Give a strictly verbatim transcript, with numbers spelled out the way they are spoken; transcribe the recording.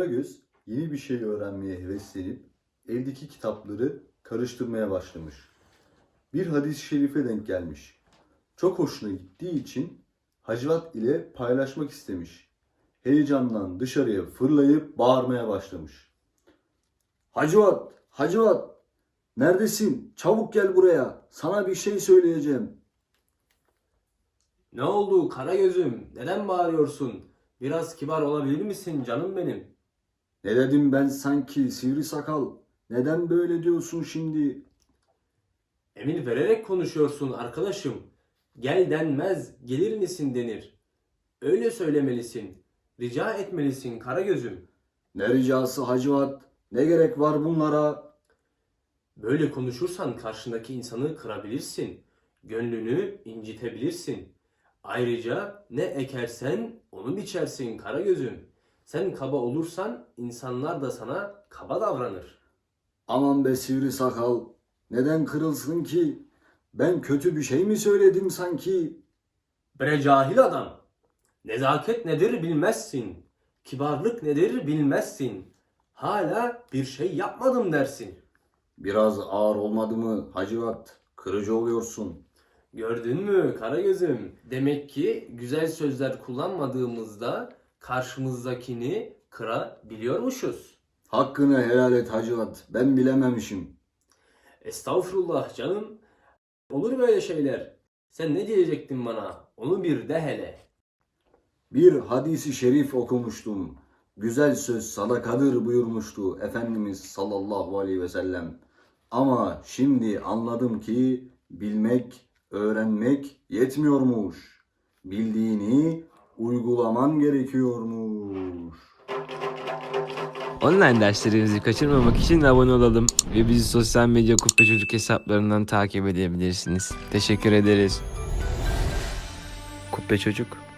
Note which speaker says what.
Speaker 1: Karagöz yeni bir şey öğrenmeye heveslenip evdeki kitapları karıştırmaya başlamış. Bir hadis-i şerife denk gelmiş. Çok hoşuna gittiği için Hacivat ile paylaşmak istemiş. Heyecandan dışarıya fırlayıp bağırmaya başlamış. Hacivat, Hacivat, neredesin? Çabuk gel buraya. Sana bir şey söyleyeceğim.
Speaker 2: Ne oldu Karagöz'üm? Neden bağırıyorsun? Biraz kibar olabilir misin canım benim?
Speaker 1: Ne dedim ben sanki sivri sakal? Neden böyle diyorsun şimdi?
Speaker 2: Emir vererek konuşuyorsun arkadaşım. Gel denmez, gelir misin denir. Öyle söylemelisin. Rica etmelisin Karagöz'üm.
Speaker 1: Ne ricası Hacivat? Ne gerek var bunlara?
Speaker 2: Böyle konuşursan karşındaki insanı kırabilirsin. Gönlünü incitebilirsin. Ayrıca ne ekersen onu biçersin Karagöz'üm. Sen kaba olursan insanlar da sana kaba davranır.
Speaker 1: Aman be sivri sakal. Neden kırılsın ki? Ben kötü bir şey mi söyledim sanki?
Speaker 2: Bre cahil adam. Nezaket nedir bilmezsin. Kibarlık nedir bilmezsin. Hala bir şey yapmadım dersin.
Speaker 1: Biraz ağır olmadı mı Hacivat? Kırıcı oluyorsun.
Speaker 2: Gördün mü Karagöz'üm? Demek ki güzel sözler kullanmadığımızda karşımızdakini kırabiliyormuşuz.
Speaker 1: Hakkını helal et Hacivat. Ben bilememişim.
Speaker 2: Estağfurullah canım. Olur böyle şeyler. Sen ne diyecektin bana? Onu bir de hele.
Speaker 1: Bir hadisi şerif okumuştum. Güzel söz sadakadır buyurmuştu Efendimiz sallallahu aleyhi ve sellem. Ama şimdi anladım ki bilmek, öğrenmek yetmiyormuş. Bildiğini uygulaman gerekiyormuş.
Speaker 3: Online derslerimizi kaçırmamak için abone olalım ve bizi sosyal medya Kubbe Çocuk hesaplarından takip edebilirsiniz. Teşekkür ederiz. Kubbe Çocuk